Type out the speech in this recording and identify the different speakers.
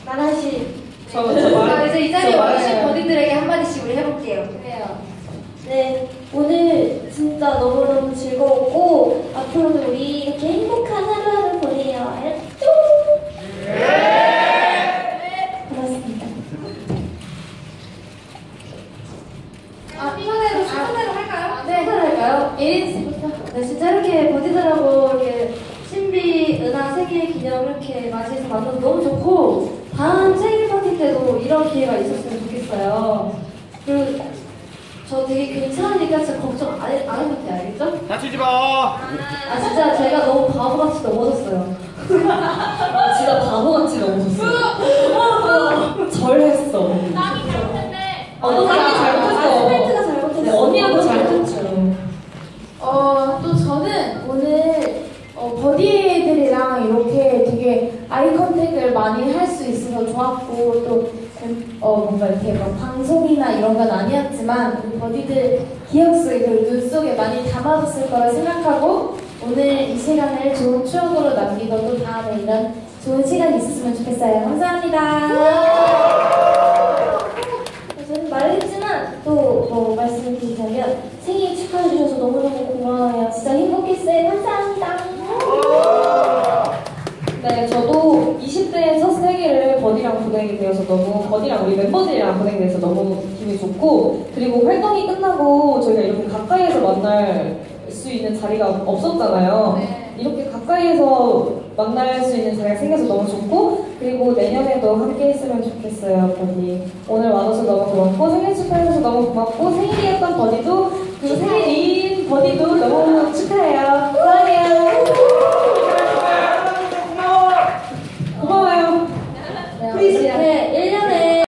Speaker 1: 하나씩.
Speaker 2: 이제 이 자리에 오신 버디들에게 한마디씩 우리 해볼게요.
Speaker 1: 그래요. 네, 오늘 진짜 너무너무 즐거웠고 앞으로도 우리 이렇게 행복한 하루하루 보내요. 알았죠? 네. 고맙습니다.
Speaker 2: 순서대로 할까요?
Speaker 1: 네, 할까요? 예린 씨부터. 네, 진짜 이렇게 버디들하고 이렇게 신비 은하 생일 기념 이렇게 맞이해서 만나서 너무 좋고 다음 생일 파티 때도 이런 기회가 있었으면 좋겠어요. 그리고 저 되게 괜찮으니까 진짜 걱정 안 해도 돼, 알겠죠?
Speaker 3: 다치지 마.
Speaker 1: 아 진짜 제가 너무 바보같이 넘어졌어요. 진짜 바보같이 넘어졌어요. 절했어.
Speaker 2: 땀이 잘못했네.
Speaker 1: 너 땀이 잘못했어. 스멘트가 잘못했어. 네, 언니가 잘못했죠.
Speaker 4: 또 저는 오늘 버디들이랑 이렇게 되게 아이 컨택을 많이 할 수 있어서 좋았고 또 뭔가 이렇게 막 방송이나 이런 건 아니었지만 우리 버디들 기억 속에 그리고 눈 속에 많이 담아뒀을 거라 생각하고 오늘 이 시간을 좋은 추억으로 남기고 또 다음에 이런 좋은 시간이 있었으면 좋겠어요. 감사합니다.
Speaker 1: 저는 말했지만 또 뭐 말씀드리자면 생일 축하해주셔서 너무너무 고마워요. 진짜 행복했어요. 감사합니다.
Speaker 5: 네, 저도 20대에 첫 생일을 버디랑 보내게 되어서 버디랑 우리 멤버들이랑 보내게 돼서 너무 기분이 좋고, 그리고 활동이 끝나고 저희가 이렇게 가까이에서 만날 수 있는 자리가 없었잖아요.
Speaker 2: 네.
Speaker 5: 이렇게 가까이에서 만날 수 있는 자리가 생겨서 너무 좋고, 그리고 내년에도 함께 했으면 좋겠어요, 버디. 오늘 와줘서 너무 고맙고, 생일 축하해줘서 너무 고맙고, 생일이었던 버디도, 그리고 생일인 버디도 너무 축하해요. 사랑해요. 고마워요.
Speaker 1: 이렇게